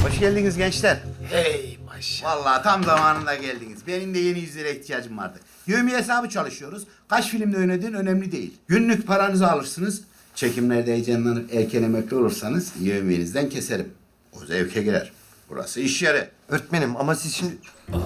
Hoş geldiniz gençler. Hey maşallah. Vallahi tam zamanında geldiniz. Benim de yeni yüzlere ihtiyacım vardı. Yevmiye hesabı çalışıyoruz. Kaç filmde oynadığın önemli değil. Günlük paranızı alırsınız. Çekimlerde heyecanlanıp erken emekli olursanız yevmiyenizden keserim. O zevke girer. Burası iş yeri. Öğretmenim ama siz şimdi...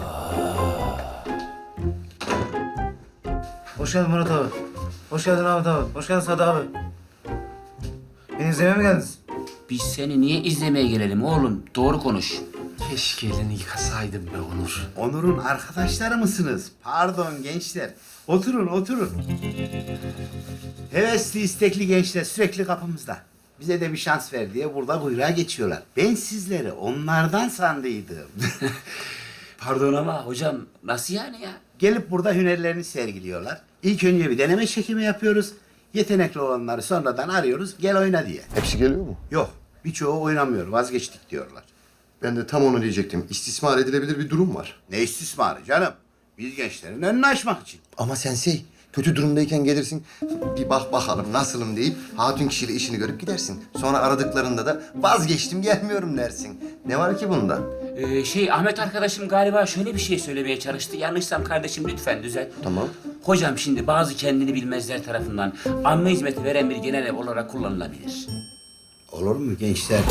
Hoş geldin Murat abi. Hoş geldin Ahmet abi. Hoş geldin Sadı abi. Beni izlemeye mi geldiniz? Biz seni niye izlemeye gelelim oğlum? Doğru konuş. Keşke elini yıkasaydım be Onur. Onur'un arkadaşları mısınız? Pardon gençler. Oturun, oturun. Hevesli, istekli gençler sürekli kapımızda. Bize de bir şans ver diye burada kuyruğa geçiyorlar. Ben sizleri onlardan sandıydım. Pardon ama hocam nasıl yani ya? Gelip burada hünerlerini sergiliyorlar. İlk önce bir deneme çekimi yapıyoruz. Yetenekli olanları sonradan arıyoruz, gel oyna diye. Hepsi geliyor mu? Yok, birçoğu oynamıyor, vazgeçtik diyorlar. Ben de tam onu diyecektim. İstismar edilebilir bir durum var. Ne istismarı canım? Biz gençlerin önünü açmak için. Ama sensei, kötü durumdayken gelirsin, bir bak bakalım nasılım deyip hatun kişiyle işini görüp gidersin. Sonra aradıklarında da vazgeçtim gelmiyorum dersin. Ne var ki bunda? Ahmet arkadaşım galiba şöyle bir şey söylemeye çalıştı. Yanlışsam kardeşim lütfen düzelt. Tamam. Hocam şimdi bazı kendini bilmezler tarafından amme hizmeti veren bir genel ev olarak kullanılabilir. Olur mu gençler?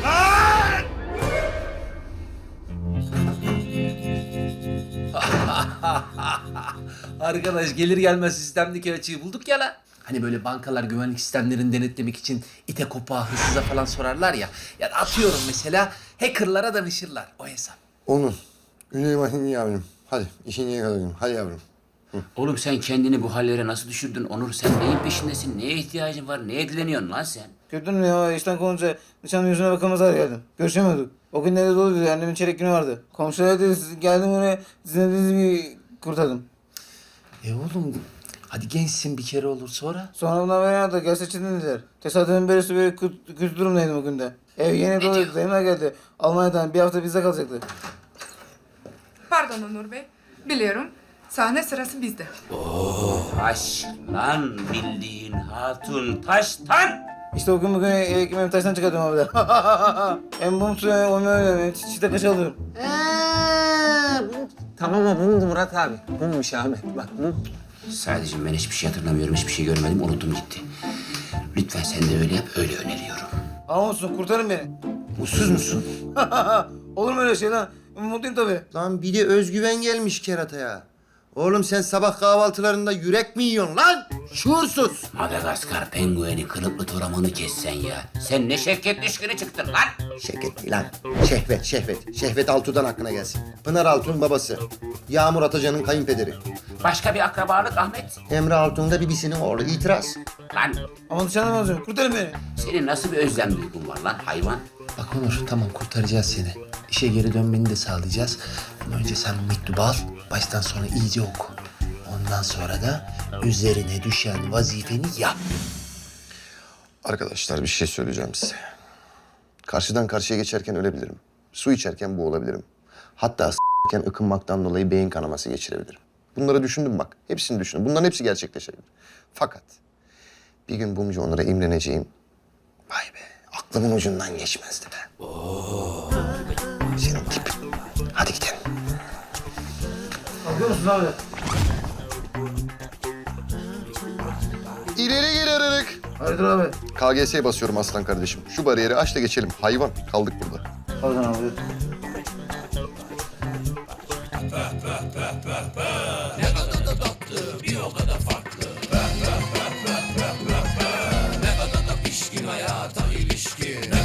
Arkadaş gelir gelmez sistemdeki açığı bulduk ya la. Hani böyle bankalar güvenlik sistemlerini denetlemek için ite kopağa, hırsıza falan sorarlar ya. Ya da atıyorum mesela hackerlara danışırlar o hesap. Onun. Ünlü yavrum. Hadi işini yakalayalım. Hadi yavrum. Oğlum sen kendini bu hallere nasıl düşürdün Onur? Sen neyin peşindesin? Neye ihtiyacın var? Neye dileniyorsun lan sen? Gördün mü ya işten konunca nişanın yüzüne bakamazlar geldim. Görüşemiyorduk. O gün nerede doluydu annemin çeyrek günü vardı. Komşular dedi geldim oraya sizin dediğinizi kurtardım. Oğlum hadi gençsin bir kere olur sonra. Sonra bundan beri aradı gel seçildin dediler. Tesadüfen böylesi böyle kötü durumdaydım o günde. Ev yeni doluydu dayımlar geldi. Almanya'dan bir hafta bizde kalacaktı. Pardon Onur Bey. Biliyorum. Sahne sırası bizde. Taş lan bildiğin hatun taştan. İşte o gün bugün ekmeğimi taştan çıkartıyorum abi de. Hem bum suyu hem öyle çiçekte kaç alıyorum. Tamam ama bumdu Murat abi. Bummuş Ahmet bak bum. Sadece ben hiçbir şey hatırlamıyorum, hiçbir şey görmedim, unuttum gitti. Lütfen sen de öyle yap, öyle öneriyorum. Ama olsun kurtarın beni. Mutsuz musun? Olur mu öyle şey lan? Mutluyum tabii. Lan bir de özgüven gelmiş kerataya. Oğlum sen sabah kahvaltılarında yürek mi yiyorsun lan? Şuursuz. Madagaskar pengueni kılıklı toramanı kessen ya. Sen ne şevket düşkünü çıktın lan. Şevket değil lan. Şehvet, Şehvet. Şehvet Altun'dan hakkına gelsin. Pınar Altun babası. Yağmur Atacan'ın kayınpederi. Başka bir akrabalık Ahmet. Emre Altun da bibisinin oğlu. İtiraz. Lan Ama dışarıdan alacağım. Kurtarın beni. senin nasıl bir özlem duygun var lan hayvan? Bak Onur tamam kurtaracağız seni. İşe geri dönmeni de sağlayacağız. Ama önce sen bu mektubu al. Baştan sona iyice oku. Ondan sonra da üzerine düşen vazifeni yap. Arkadaşlar bir şey söyleyeceğim size. Karşıdan karşıya geçerken ölebilirim. Su içerken boğulabilirim. Hatta s**ken ıkınmaktan dolayı beyin kanaması geçirebilirim. Bunları düşündüm bak. Hepsini düşündüm. Bunların hepsi gerçekleşebilir. Fakat bir gün Bumcu Onur'a imreneceğim. Vay be aklımın ucundan geçmezdi be. Senin tip. Hadi gidelim. Bakıyor musun abi? İleri geri aradık. Hayırdır abi? KGS'ye basıyorum aslan kardeşim. Şu bariyeri aç da geçelim. Hayvan kaldık burada. Pardon abi. Ne kadar da pişkin hayata ilişkin.